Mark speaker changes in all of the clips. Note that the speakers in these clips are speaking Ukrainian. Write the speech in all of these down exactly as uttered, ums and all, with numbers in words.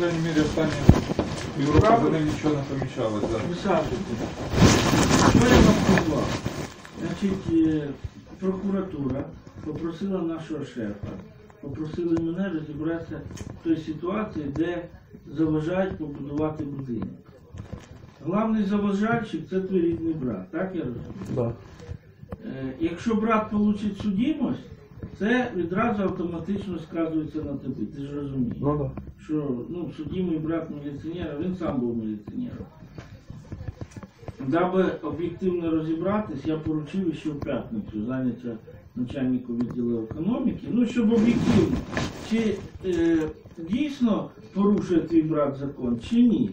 Speaker 1: крайній мірі, останні півроку за ним нічого не помічалось. Да.
Speaker 2: Висаджуйте. Що я вам сказав? Значить, е, прокуратура попросила нашого шефа, попросили мене розібратися в той ситуації, де заважають побудувати будинок. Главний заважальщик – це твій рідний брат, так я розумію?
Speaker 3: Да.
Speaker 2: Е, Якщо брат получить судимость, це відразу автоматично сказується на тобі, ти ж розумієш.
Speaker 3: Ну да.
Speaker 2: Що ну, судимий брат міліціонера, він сам був міліціонером. Даби об'єктивно розібратись, я поручив ще в п'ятницю зайняття начальнику відділу економіки, ну, щоб об'єктивно, чи е, дійсно порушує твій брат закон, чи ні.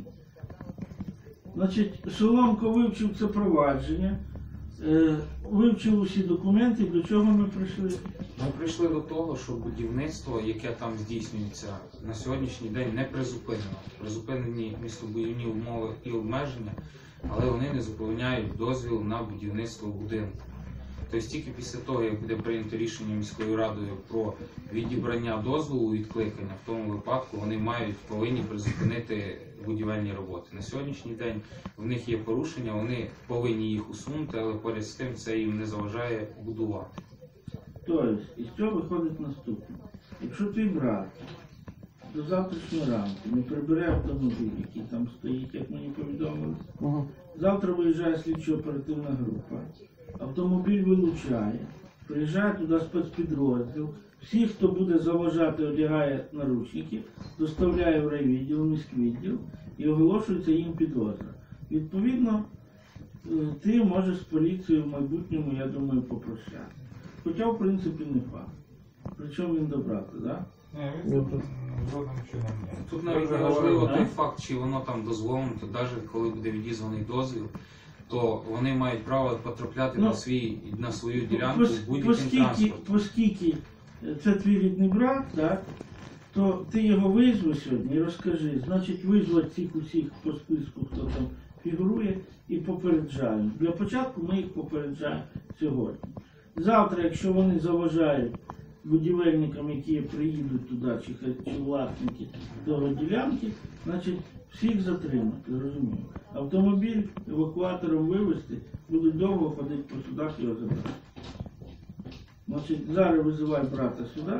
Speaker 2: Значить, Соломко вивчив це провадження, е, вивчив усі документи, до чого ми прийшли?
Speaker 4: Ми прийшли до того, що будівництво, яке там здійснюється, на сьогоднішній день не призупинено. Призупинені містобудівні умови і обмеження, але вони не зупиняють дозвіл на будівництво будинку. Тобто тільки після того, як буде прийнято рішення міською радою про відібрання дозволу, відкликання, в тому випадку вони мають, повинні призупинити будівельні роботи. На сьогоднішній день в них є порушення, вони повинні їх усунути, але поряд з тим це їм не заважає будувати.
Speaker 2: Тобто, із цього виходить наступне. Якщо твій брат до завтрашнього ранку не прибере автомобіль, який там стоїть, як мені повідомили,
Speaker 3: Угу.
Speaker 2: завтра виїжджає слідчо-оперативна група, автомобіль вилучає, приїжджає туди спецпідрозділ, всіх, хто буде заважати, одягає наручники, доставляє в райвідділ, міськвідділ і оголошується їм підозра. Відповідно, ти можеш з поліцією в майбутньому, я думаю, попрощати. Хоча, в принципі, не факт. Причому він добрати, так? Да?
Speaker 1: Ні, він жодним чином ні.
Speaker 4: Тут навіть не важливо той факт, чи воно там дозволено, то навіть коли буде відізваний дозвіл, то вони мають право потрапляти
Speaker 2: Ну,
Speaker 4: на, свій, на свою ділянку
Speaker 2: Пос-
Speaker 4: з будь-яким
Speaker 2: Оскільки,
Speaker 4: транспортом.
Speaker 2: оскільки це твій рідний брат, так, то ти його визви сьогодні і розкажи. Значить, визвати цих усіх по списку, хто там фігурує, і попереджаємо. Для початку ми їх попереджаємо сьогодні. Завтра, якщо вони заважають будівельникам, які приїдуть туди, чи, чи власники того ділянки, значить всіх затримати, розумію. Автомобіль евакуатором вивезти, будуть довго ходити по судах і його забрати. Значить, зараз визивай брата сюди.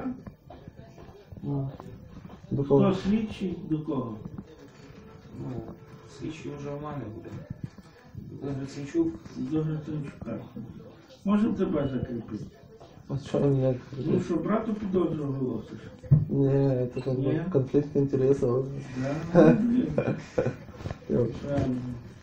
Speaker 3: Ну, до
Speaker 2: Хто
Speaker 3: кого?
Speaker 2: слідчий, до кого?
Speaker 4: Ну, слідчий вже в мене буде. Буде Гриценчук.
Speaker 2: До Гриценчука. Можемо тебе закріпити?
Speaker 3: А что меня?
Speaker 2: Ну що, брату підозру оголосиш?
Speaker 3: Не, это как бы
Speaker 2: Не?
Speaker 3: конфликт интересов.
Speaker 2: Да? Ну, блін.
Speaker 3: Я-
Speaker 2: Правильно.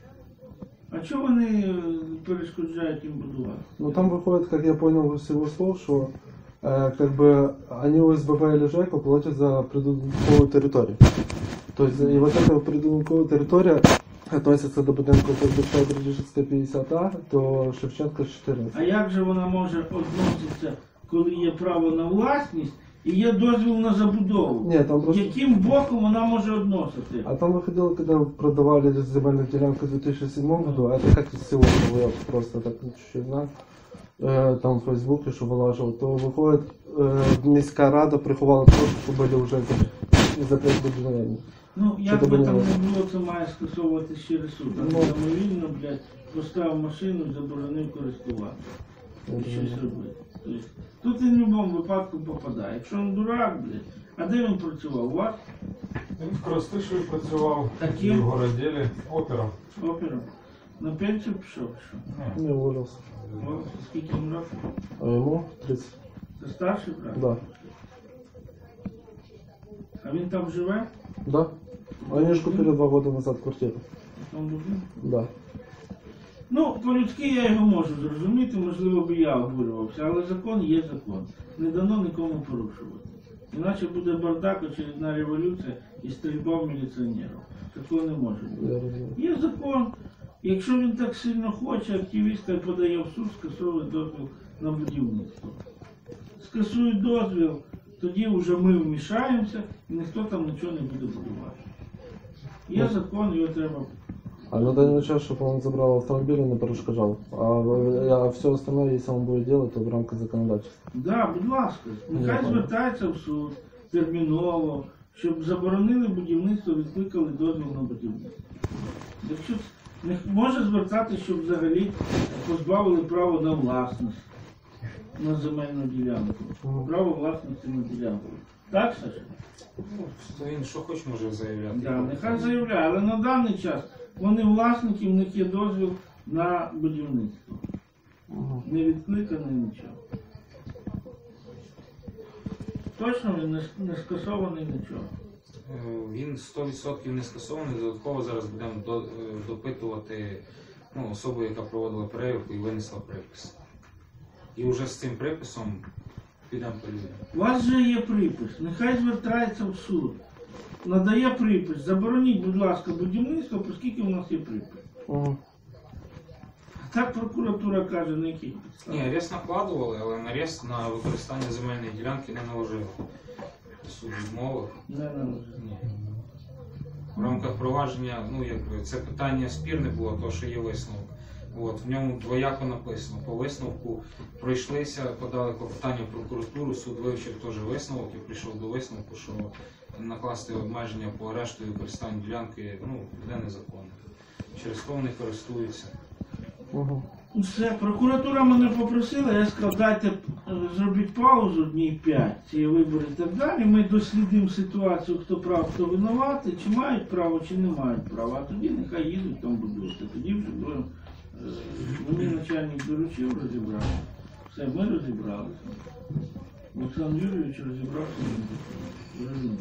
Speaker 2: А чого вони е, перешкоджають їм будувати?
Speaker 3: Ну там выходит, как я понял из его слов, что э, как бы они ОСББ или ЖЭКа платят за придумковую территорию. То есть и вот эта придумковая территория относится до будинку Бердичевська п'ятдесят А, до Шевченка чотирнадцять.
Speaker 2: А як же вона може відноситися, коли є право на власність і є дозвіл на забудову?
Speaker 3: Нет, там просто...
Speaker 2: Яким боком вона може відносити?
Speaker 3: А там выходило, когда продавали земельную делянку в две тысячи седьмом году, а это как из всего, было, я просто так чуть-чуть знаю, э, там в Фейсбуке, что вылаживал, то выходит, э, міська рада приховала то, что были уже закрыты будівельні.
Speaker 2: Ну, як
Speaker 3: Що
Speaker 2: би
Speaker 3: тебе
Speaker 2: там
Speaker 3: не
Speaker 2: не було, це має скасовуватись через суд. А
Speaker 3: Ну.
Speaker 2: самовільно, блядь, поставив машину і заборонив користуватися. І щось робити. Тобто, тут він в будь-якому випадку попадає. Якщо він дурак, блядь, а де він працював? У вас?
Speaker 1: Він в Коростишеві працював,
Speaker 2: Таким?
Speaker 1: в городілі, опером.
Speaker 2: Опером. На пенсію пішов, що?
Speaker 1: Ні.
Speaker 3: Не уволился.
Speaker 2: О, скільки йому років?
Speaker 3: А ему тридцать.
Speaker 2: Це старший брат?
Speaker 3: Да.
Speaker 2: А він там живе?
Speaker 3: Да. Они же купили два года назад квартиру.
Speaker 2: Там будинку?
Speaker 3: Да.
Speaker 2: Ну, по-людськи я його можу зрозуміти, можливо би я обурювався, але закон є закон. Не дано нікому порушувати. Іначе буде бардак, очередна революція і стрільба в міліціонерів. Такого не може бути.
Speaker 3: Я розумію.
Speaker 2: Є закон. Якщо він так сильно хоче, активіст хай подає в суд, скасовує дозвіл на будівництво. Скасують дозвіл, тоді вже ми вмішаємося і ніхто там нічого не буде будувати. Є закон, його треба.
Speaker 3: А на данный час, чтобы он забрал автомобиль и не перешкоджал. А, а все остальное, если он будет делать, то в рамках законодательства.
Speaker 2: Так, да, будь ласка, нехай
Speaker 3: Я
Speaker 2: звертається в суд терміново, щоб заборонили будівництво, відкликали дозвіл на будівництво. Якщо не може звертатися, щоб взагалі позбавили право на власність на земельну ділянку. Право власності на ділянку. Так, Саша?
Speaker 4: Ну, то він що хоч може заявляти.
Speaker 2: Да, нехай заявляє, але на даний час вони власники, в них є дозвіл на будівництво. Не відкликаний нічого. Точно він не, не скасований нічого.
Speaker 4: Е, Він сто відсотків не скасований. Додатково зараз будемо до- е, допитувати ну, особу, яка проводила перевірку і винесла припис. І вже з цим приписом підемо по людям.
Speaker 2: У вас же є припис, нехай звертається в суд. Надає припис, забороніть, будь ласка, будівництво, оскільки у нас є припис.
Speaker 3: Ага.
Speaker 2: Так прокуратура каже, на яких
Speaker 4: Ні,
Speaker 2: підставах.
Speaker 4: арест накладували, але на арест на використання земельної ділянки не наложили. Суд відмовив.
Speaker 2: Не належить.
Speaker 4: Ні. В рамках провадження, ну якби це питання спірне було, то що є висновок. От, в ньому двояко написано. По висновку пройшлися, подали клопотання в прокуратуру, суд вивчив теж висновок і прийшов до висновку, що накласти обмеження по арешту і використанню ділянки ну, буде незаконно. Через то вони користуються.
Speaker 3: Ага.
Speaker 2: Все, прокуратура мене попросила, я сказав, дайте е, зробіть паузу днів п'ять, ці вибори і так далі. Ми дослідимо ситуацію, хто прав, хто винуватий, чи мають право, чи не мають права. А тоді нехай їдуть там будуються. Тоді вже будемо. Е, мені начальник доручив розібрати. Все, ми розібралися. Олександр Юрійович розібрався. Розумію.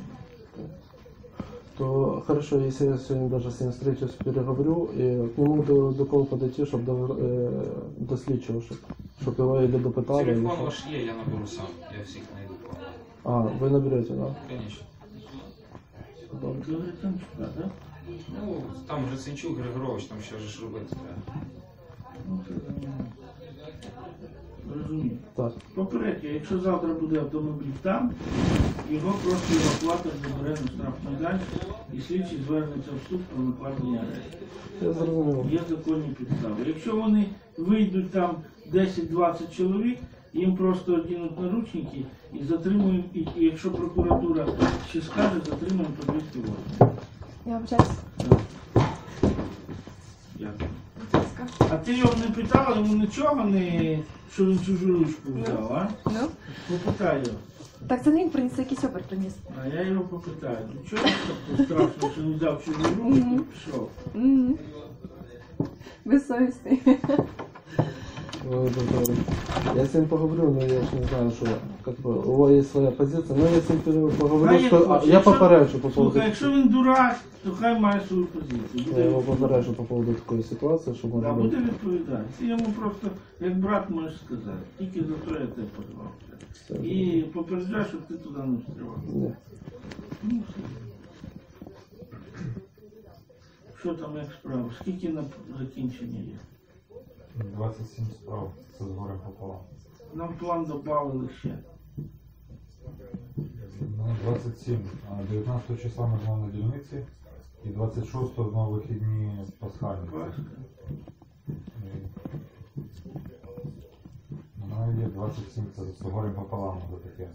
Speaker 3: То хорошо, если я сегодня даже с ним встречусь, переговорю, и к нему до, до кого подойти, чтобы до, э, до слідчого, щоб, щоб його или допитали. или
Speaker 4: Телефон
Speaker 3: що?
Speaker 4: ваш є, я наберу сам, я всіх знайду.
Speaker 3: А, ви наберете, да?
Speaker 4: Звісно.
Speaker 3: Добре.
Speaker 2: Це Гриценчука, так?
Speaker 4: Ну, там Гриценчук, Григорович, там ще ж робити треба.
Speaker 2: Ну, це нормально. Розумію.
Speaker 3: Так.
Speaker 2: Попередньо, якщо завтра буде автомобіль там, його просто евакуатор забере на штрафмайданчик і слідчий звернеться в суд про накладення арешту.
Speaker 3: Я зрозумів.
Speaker 2: Є законні підстави. Якщо вони вийдуть там десять-двадцять чоловік, їм просто одінуть наручники і затримуємо, і, і якщо прокуратура ще скаже, затримуємо по двісті восьмій.
Speaker 5: Я вибачаюсь.
Speaker 2: Дякую.
Speaker 5: Будь ласка.
Speaker 2: А ти його не питала, йому нічого не, що він чужу ручку взяв, а?
Speaker 5: Ну?
Speaker 2: Попитай його.
Speaker 5: Так це не він приніс, це якийсь опер приніс.
Speaker 2: А я його попитаю. Ну чого так страшно, що він взяв чужу ручку і пішов?
Speaker 5: Мгм. Безсовісний.
Speaker 3: Ой, добре. Я с ним поговорю, но я ж не знаю, что как бы, у него есть своя позиция. Но я с ним пере- поговорю,
Speaker 2: Хай як
Speaker 3: что... а,
Speaker 2: хоче.
Speaker 3: я
Speaker 2: Якщо-
Speaker 3: попереджу по поводу...
Speaker 2: Слухай, якщо він дурак, то хай має свою позицію.
Speaker 3: Я
Speaker 2: Буде,
Speaker 3: его попереджу по поводу такой ситуации, что
Speaker 2: да,
Speaker 3: может
Speaker 2: буде
Speaker 3: быть...
Speaker 2: відповідати. Ти йому просто, як брат, можеш сказати. Тільки за то я тебе позвав.
Speaker 3: Все.
Speaker 2: І попереджай, щоб ти туди не встрівав.
Speaker 3: Ні.
Speaker 2: Ну, все. Що там як справа? Скільки на закінчення є?
Speaker 1: двадцять сім справ. Це з горем пополам.
Speaker 2: Нам план додали ще.
Speaker 1: Ну, двадцять сім. А дев'ятнадцятого числа ми знову на дільниці. І двадцять шостого знову вихідні пасхальні.
Speaker 2: Пасха.
Speaker 1: Ну, є двадцять сім, це з горем пополам вже таке.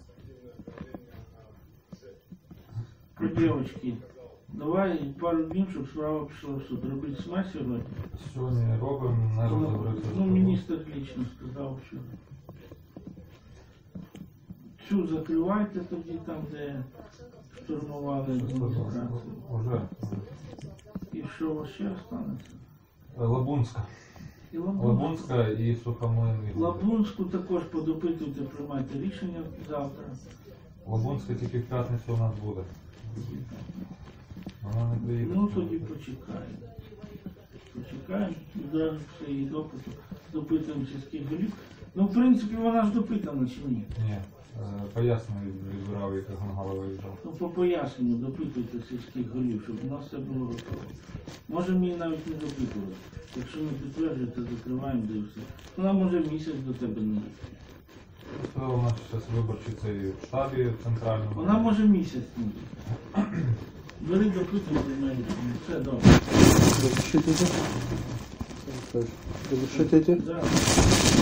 Speaker 2: Про дівчатки. Давай пару днів, щоб справа пішла в суд. Робити СМЕ сьогодні.
Speaker 1: Сьогодні робимо, не
Speaker 2: Ну,
Speaker 1: розберуться.
Speaker 2: ну, міністр лично сказав, що цю закривайте тоді там, де штурмували адміністрацію.
Speaker 1: Уже.
Speaker 2: І що у вас ще останеться?
Speaker 1: Лабунська.
Speaker 2: І Лабунську.
Speaker 1: Лабунська і Сухомлин.
Speaker 2: Лабунську також подопитуйте, приймайте рішення завтра.
Speaker 1: Лабунська тільки в п'ятницю у нас буде. Вона не приїде.
Speaker 2: Ну тоді почекаємо. Почекаємо, відразу все її допиту. Допитуємо сільських голів. Ну, в принципі, вона ж допитана чи ні?
Speaker 1: Ні. е, Пояснення відбирав, як Гонгала виїжджав.
Speaker 2: Ну, по поясненню допитуйте сільських голів, щоб у нас все було готово. Можемо її навіть не допитувати. Якщо не підтверджуєте, закриваємо, де і все. Вона може місяць до тебе не йти.
Speaker 1: Це у нас зараз виборчий цей в штабі центральному.
Speaker 2: Вона може місяць не йти. Бери допитуй, приймай рішення. Все добре.
Speaker 3: Разрешите идти? Разрешите идти?
Speaker 2: Да.